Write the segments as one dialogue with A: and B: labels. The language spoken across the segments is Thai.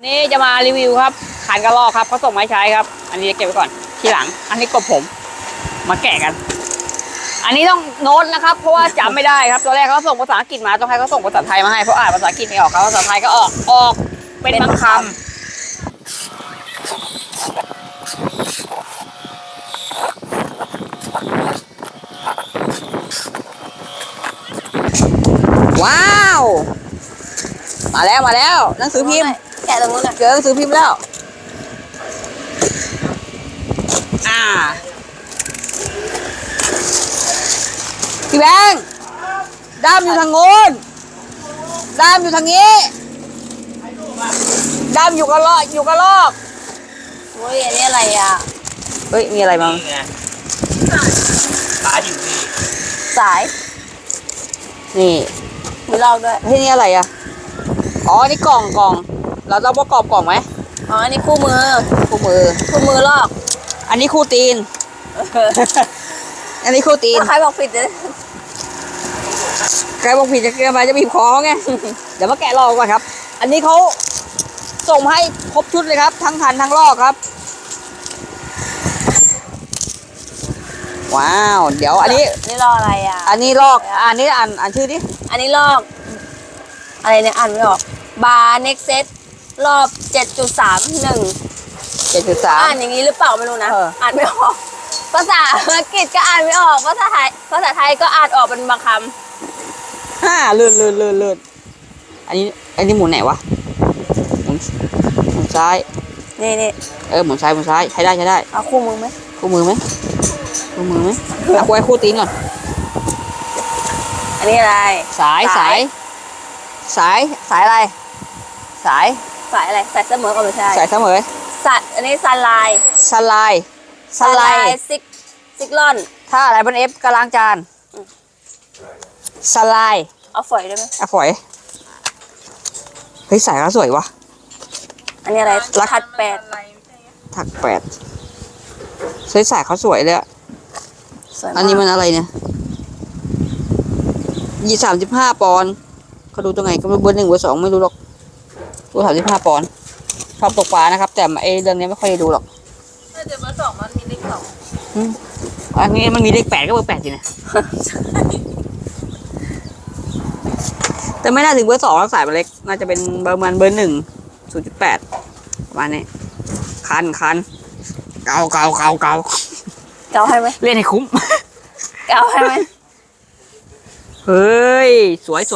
A: นี่จะมารีวิวครับคันกระรอกครับเขาส่งมาให้ใช้ครับอันนี้จะเก็บไว้ก่อนทีหลังอันนี้กบผมมาแกะกันอันนี้ต้องโน้ตนะครับเพราะว่าจำไม่ได้ครับตัวแรกเขาส่งภาษาอังกฤษมาต้องให้เขาส่งภาษาไทยมาให้เพราะอ่านภาษาอังกฤษไม่ออกเขาภาษาไทยก็ออกเป็นบางคำว้าวมาแล้วหนังสือพิมพ์
B: แกะตรงนู้น
A: เจอหนังสือพิมพ์แล้วพี่แบงค์ด้ามอยู่ทางโน้นด้ามอยู่ทางนี้ด้ามอยู่กระลอก
B: โอ้ยอันนี้อะไรอ่ะ
A: เฮ้ยมีอะไรบ้าง
C: สายอยู่นี่
B: สาย
A: นี่
B: มีลอกด้วย
A: เฮ้ยนี่อะไรอ่ะอ๋อนี่กล่องเราต้องประกอบกล่องไหม
B: อ๋ออันนี้คู่มือลอก
A: อันนี้คู่ตีนอันนี้คู่ตีน
B: ใครบอกผิดเลย
A: ใครบอกผิดจะเกินไปจะบีบคอไง เดี๋ยวมาแกะลอกก่อนครับอันนี้เขาส่งให้ครบชุดเลยครับทั้งคันทั้งลอกครับว้าวเดี๋ยวอันนี้
B: ลอกอะไรอ่ะ
A: อันนี้ลอกอันนี้อ่านชื่อดิ
B: อันนี้ลอกอะไรเนี่ยอ่านไม่ออกบาร์เน็กเซตรอบ 7.31 อ่านอย่างนี้หรือเปล่าไม่รู้นะอ่านไม่ออกภาษาอังกฤษก็อ่านไม่ออกภาษาไทยก็อ่านออกเป็นบางค
A: ำเลื่อนอันนี้หมุนไหนวะหมุนซ้าย
B: นี่
A: หมุนซ้ายใช้ได้
B: เอาคู่มือไหม
A: เอาไว้คู่ตีนก่อน
B: อันนี้อะไร
A: สายอะไรสาย
B: อะไรสายเสมอก็ไม่ใช่
A: สายเสมอ
B: อันนี้ซันไลน์ซิกลอน
A: ถ้าอะไรบนเอฟกำลังจานสไลน์
B: เอาฝอยได้ไหม
A: เอาฝอยเฮ้ยสายเขาสวยวะ
B: อันนี้อะไรถักแปด
A: สายเขาสวยเลยอันนี้มันอะไรเนี่ย35 ปอนด์เขาดูตรงไหนก็เบอร์ 1 เบอร์ 2ไม่รู้หรอกดู35 ปอนด์ชอบตกปลานะครับแต่เรื่องนี้ไม่ค่อยได้ดูหรอก
B: แต่เบอร์ 2มันมีเลข 2
A: อันนี้มันมีเลข 8ก็เบอร์ 8สินะแต่ไม่น่าถึงเบอร์ 2แล้วสายมันเล็กน่าจะเป็นเบอร์1 0.8 ประมาณนี้คันเกา
B: ให้ไหม
A: เล่นให้คุ้ม
B: เกาให้ไหม
A: เฮ้ยสวย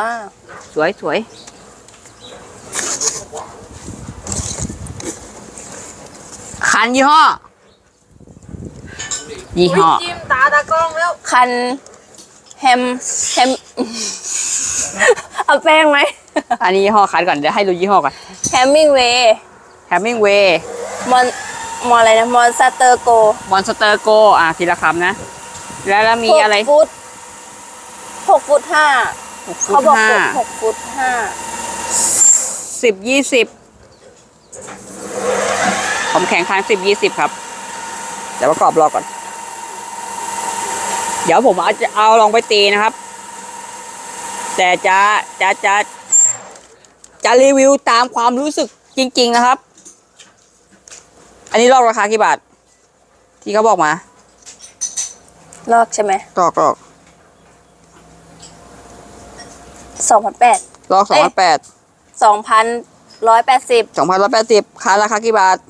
A: คันยี่ห้อ
B: จิ้มตากล้องแล้วคันแฮมเอาแป้งไหม
A: อันนี้ยี่ห้อคันก่อนเดี๋ยวให้ดูยี่ห้อก่อน
B: แฮมมิงเวย์มอนอะไรนะมอนสเตอร์โก
A: ทีละคำนะแล้วมีอะไร
B: 6 ฟุต 5เขาบอก6 ฟุต 5
A: 10-20ผมแข่งคัน10-20ครับเดี๋ยวประกอบรอก่อนเดี๋ยวผมเอาลองไปตีนะครับแต่จะรีวิวตามความรู้สึกจริงๆนะครับอันนี้ลอกราคากี่บาทที่เขาบอกมา
B: ลอกใช่ไหม
A: ลอก
B: 2,800
A: ลอก2,800
B: 2,180
A: คันราคากี่บาท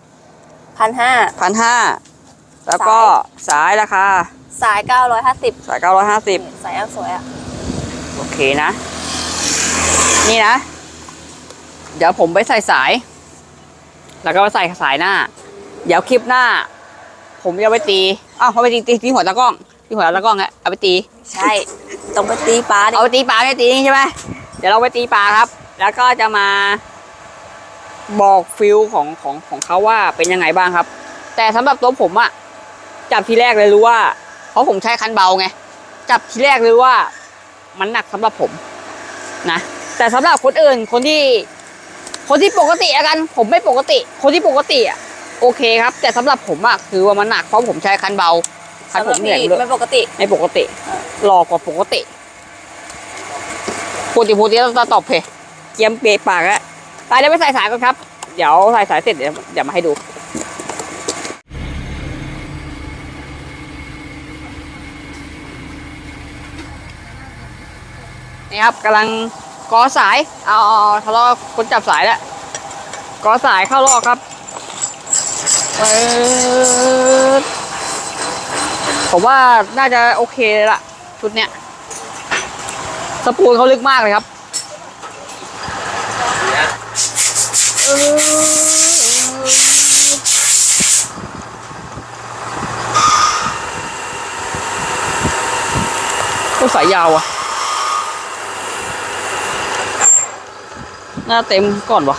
A: 1,500แล้วก็สายราคา
B: สาย950
A: สาย
B: อันสวยอ่ะ
A: โอเคนะนี่นะเดี๋ยวผมไปใส่สายแล้วก็ไปใส่สายหน้าเดี๋ยวคลิปหน้าผมจะไปตีเขาไปตีหัวตะกล้องฮะเอาไปตี
B: ใช่ต้องไปตีปลา
A: เอาไปตีปลาไม่ตีใช่ไหมเดี๋ยวเราไปตีปลาครับแล้วก็จะมาบอกฟิลของเขาว่าเป็นยังไงบ้างครับแต่สำหรับตัวผมอะจับทีแรกเลยรู้ว่าเพราะผมใช้คันเบาไงจับทีแรกเลยว่ามันหนักสำหรับผมนะแต่สำหรับคนอื่นคนที่ปกติอะกันผมไม่ปกติคนที่ปกติอะโอเคครับแต่สำหรับผมอะคือว่ามันหนักเพราะผมใช้คันเบาคันผมเหนื่อยเลย
B: ไม่ปกติ
A: หลอกกว่าปกติต้องตอบเพเกียมเปปากอะไปเดี๋ยวไปใส่สายก่อนครับเดี๋ยวใส่สายเสร็จเดี๋ยวมาให้ดูนี่ครับกำลังกอสายเอาทะเลาะคนจับสายแล้วกอสายเข้ารอบครับผมว่าน่าจะโอเคเลยละชุดเนี้ยสปูลเขาลึกมากเลยครับก็สายยาวอ่ะน่าเต็มก่อนวะ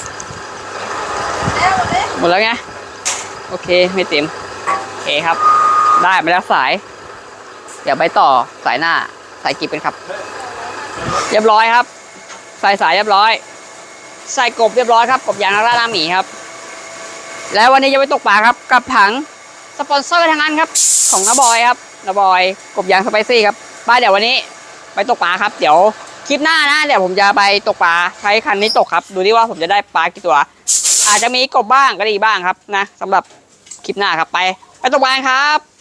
A: หมดแล้วไงโอเคไม่เต็มโอเคครับได้มาแล้วสายเดี๋ยวไปต่อสายหน้าสายกิบเป็นครับเรียบร้อยครับใส่สายเรียบร้อยใส่กบเรียบร้อยครับกบยางนักล่าหน้าหมีครับแล้ววันนี้จะไปตกปลาครับกับถังสปอนเซอร์ทั้งนั้นครับของน้าบอยครับน้าบอยกบยางสไปซี่ครับป้าเดี๋ยววันนี้ไปตกปลาครับเดี๋ยวคลิปหน้านะเดี๋ยวผมจะไปตกปลาใช้คันนี้ตกครับดูดิว่าผมจะได้ปลากี่ตัวอาจจะมีกบบ้างก็ดีบ้างครับนะสำหรับคลิปหน้าครับไปตกปลาครับ